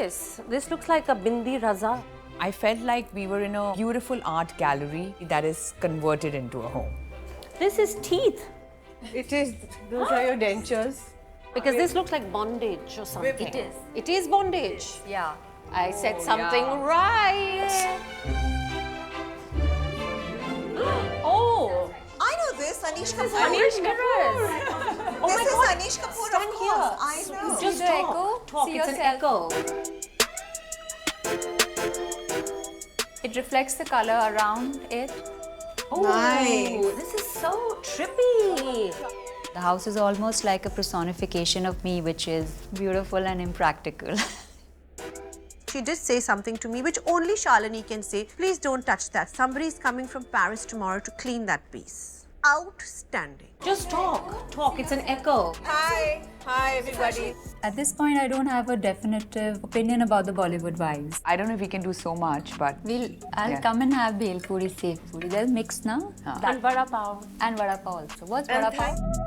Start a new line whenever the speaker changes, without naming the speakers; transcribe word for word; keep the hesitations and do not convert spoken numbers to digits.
this? This looks like a bindi raza.
I felt like we were in a beautiful art gallery that is converted into a home.
This is teeth.
It is. Those are your dentures.
Because this looks like bondage or something.
It is.
It is bondage.
Yeah.
I said
Oh,
something
yeah.
right. Oh,
I know this, Anish Kapoor.
Anish Kapoor. Oh
this
my
is
God.
Anish Kapoor,
Stand
of course.
here.
I know.
Just
the
talk.
echo.
Talk.
See
It's
yourself.
an echo.
It reflects the color around it.
Oh,
Nice.
this is so trippy.
The house is almost like a personification of me, which is beautiful and impractical.
She did say something to me which only Shalini can say. Please don't touch that. Somebody is coming from Paris tomorrow to clean that piece. Outstanding.
Just talk. Talk. It's an echo.
Hi. Hi, everybody.
At this point, I don't have a definitive opinion about the Bollywood vibes.
I don't know if we can do so much, but
We'll, I'll
Yeah.
come and have bhel puri, safe puri. There's mix now.
And vada pav.
And vada pav also. What's
And
vada pav?
thank-